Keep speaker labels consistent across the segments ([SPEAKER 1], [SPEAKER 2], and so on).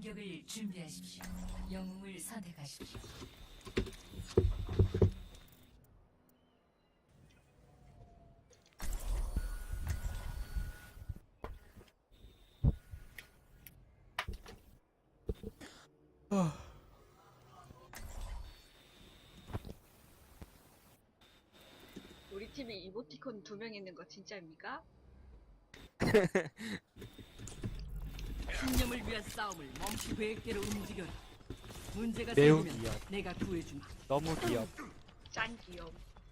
[SPEAKER 1] 공격을 준비하십시오. 영웅을 선택하십시오.
[SPEAKER 2] 우리 팀에 이모티콘 2명 있는 거 진짜입니까?
[SPEAKER 1] 신념을 위한 싸움을 멈추 계획대로 움직여라. 문제가
[SPEAKER 3] 매우
[SPEAKER 1] 생기면
[SPEAKER 3] 귀여워.
[SPEAKER 1] 내가 구해주마.
[SPEAKER 3] 너무 귀엽.
[SPEAKER 2] 짠 귀여움.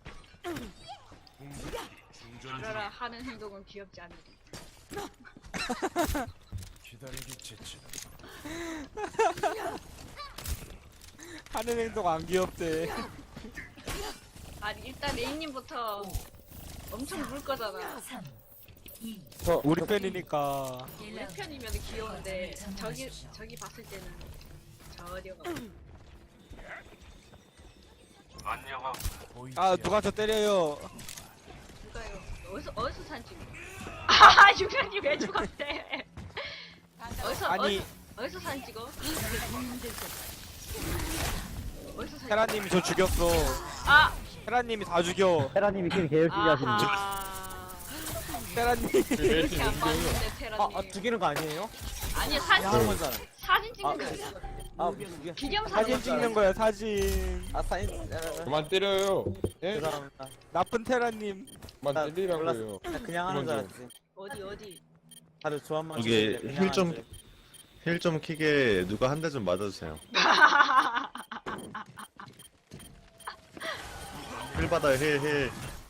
[SPEAKER 2] 그러라 하는 행동은 귀엽지 않으리.
[SPEAKER 4] 기다리기 지치다.
[SPEAKER 3] 하는 행동 안 귀엽대.
[SPEAKER 2] 아니 일단 레이님부터 엄청 물 거잖아.
[SPEAKER 1] 3, 2,
[SPEAKER 3] 우리 팬이니까.
[SPEAKER 2] 우리 편이면 귀여운데 저기 봤을 때는 저려가.
[SPEAKER 4] 보이지
[SPEAKER 3] 아 누가 저 때려요.
[SPEAKER 2] 누가요? 어디서 산지? 아 유명이 왜 죽었대?
[SPEAKER 3] 아니
[SPEAKER 2] 어디서 산 찍어? 어디서 산?
[SPEAKER 3] 테라님이 저 죽였어.
[SPEAKER 2] 아
[SPEAKER 3] 테라님이 다 죽여.
[SPEAKER 5] 테라님이 게임 개 열심히 하시는데.
[SPEAKER 3] 테라님.
[SPEAKER 2] 이렇게 안 봤는데 테라님.
[SPEAKER 5] 죽이는 거 아니에요?
[SPEAKER 2] 아니
[SPEAKER 5] 야한 사람.
[SPEAKER 2] 사진 찍는 거야. 기념
[SPEAKER 3] 사진 찍는 거야 사진.
[SPEAKER 5] 사인.
[SPEAKER 6] 그만 때려요. 예?
[SPEAKER 5] 죄송합니다.
[SPEAKER 3] 나쁜 테라님.
[SPEAKER 6] 그만 때리라고요.
[SPEAKER 5] 몰랐어. 그냥 하는 줄 알았지.
[SPEAKER 2] 어디?
[SPEAKER 5] 다들 조합만.
[SPEAKER 7] 이게
[SPEAKER 5] 치는데 그냥 하는데.
[SPEAKER 7] 힐 좀 키게 누가 한 대 좀 맞아주세요. 힐 받아요, 힐.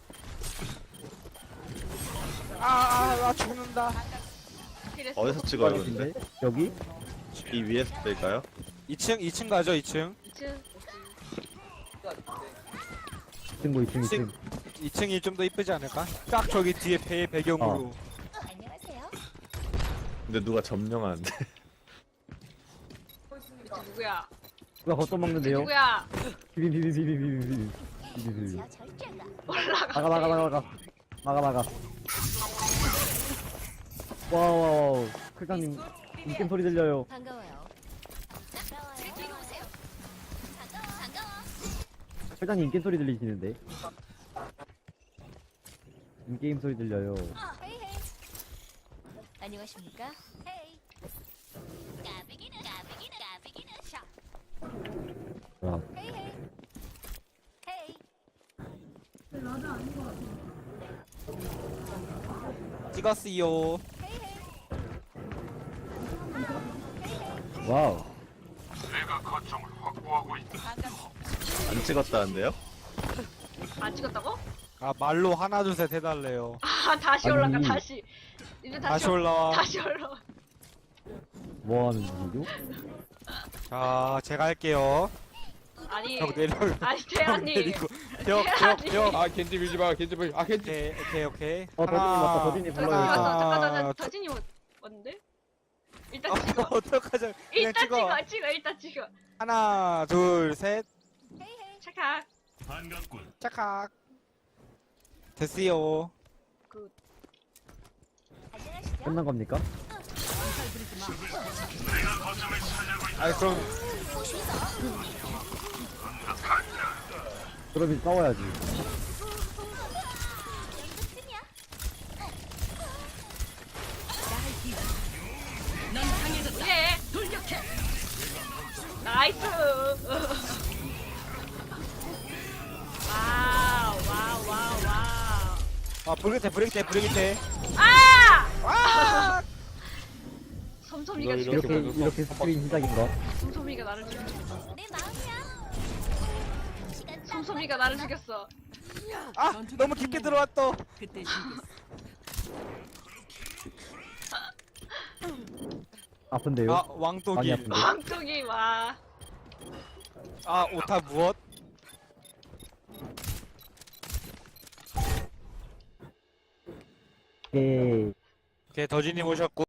[SPEAKER 3] 나 죽는다.
[SPEAKER 2] 그래서
[SPEAKER 7] 어디서 찍어요, 근데?
[SPEAKER 5] 여기?
[SPEAKER 7] 이 위에서 뺄까요?
[SPEAKER 3] 2층 가죠 2층.
[SPEAKER 2] 2층
[SPEAKER 5] 친구 2층 2층.
[SPEAKER 3] 2층이 좀 더 이쁘지 않을까? 딱 저기 뒤에 배경으로.
[SPEAKER 7] 근데 누가 점령하는데?
[SPEAKER 2] 누구야?
[SPEAKER 5] 누가 겉도 먹는데요?
[SPEAKER 2] 누구야?
[SPEAKER 5] 비비비비비비비비비비비.
[SPEAKER 2] 올라가.
[SPEAKER 5] 막아. 와우. 클장님 인겜 소리 들려요.
[SPEAKER 8] 반가워요.
[SPEAKER 5] 클장님 인겜 소리 들리시는데? 인게임 소리 들려요.
[SPEAKER 8] 헤이 헤이. 안녕하십니까? 헤이. 까비기는 샤.
[SPEAKER 5] 와.
[SPEAKER 8] 헤이 헤이. 헤이.
[SPEAKER 3] 찍었어요.
[SPEAKER 8] 헤이 헤이.
[SPEAKER 5] 와우.
[SPEAKER 7] 안 찍었다는데요?
[SPEAKER 2] 안 찍었다고?
[SPEAKER 3] 아 말로 하나 둘 셋 해달래요.
[SPEAKER 2] 아 다시 올라가
[SPEAKER 5] 아니.
[SPEAKER 2] 다시. 이제
[SPEAKER 3] 다시 올라와.
[SPEAKER 2] 다시 올라와.
[SPEAKER 5] 뭐 하는 중이죠?
[SPEAKER 3] 자 제가 할게요.
[SPEAKER 2] 아니.
[SPEAKER 3] 벽 내려.
[SPEAKER 2] 아니
[SPEAKER 3] 벽
[SPEAKER 2] 태연님.
[SPEAKER 3] 내리고. 벽.
[SPEAKER 6] 아 겐지 밀지 마. 겐지 밀. 아 겐지.
[SPEAKER 3] 오케이.
[SPEAKER 5] 더진이 왔다. 더진이
[SPEAKER 2] 더진이
[SPEAKER 5] 불러요.
[SPEAKER 2] 왔어.
[SPEAKER 3] 하나,
[SPEAKER 2] 잠깐 더진이 왔는데? 일단 찍어.
[SPEAKER 3] 어떡하죠? 그냥
[SPEAKER 2] 일단
[SPEAKER 3] 찍어.
[SPEAKER 2] 찍어. 일단 찍어.
[SPEAKER 3] 하나 둘 셋.
[SPEAKER 8] 헤이 헤이.
[SPEAKER 2] 착각.
[SPEAKER 3] 짝각. 됐어요.
[SPEAKER 8] 안녕하시죠?
[SPEAKER 5] 끝난 겁니까?
[SPEAKER 3] 아이 그럼
[SPEAKER 5] 그럼 이제 싸워야지.
[SPEAKER 2] 예. 돌격해. 나이스. 와우.
[SPEAKER 3] 아 브레이크.
[SPEAKER 2] 아! 섬섬이가
[SPEAKER 6] 이거
[SPEAKER 2] 죽였어.
[SPEAKER 5] 이렇게 스크린 시작인가?
[SPEAKER 2] 섬섬이가 나를 죽였어.
[SPEAKER 8] 내 마음이야. 시간
[SPEAKER 2] 섬섬이가 나를 죽였어.
[SPEAKER 3] 아 너무 깊게 들어왔어.
[SPEAKER 1] 그때 죽겠어.
[SPEAKER 5] 아픈데요?
[SPEAKER 3] 아
[SPEAKER 5] 많이
[SPEAKER 3] 왕독이.
[SPEAKER 5] 아픈데.
[SPEAKER 2] 왕쪽이 와.
[SPEAKER 3] 아 오타 무엇?
[SPEAKER 5] 오케이.
[SPEAKER 3] 오케이 더진님 오셨고.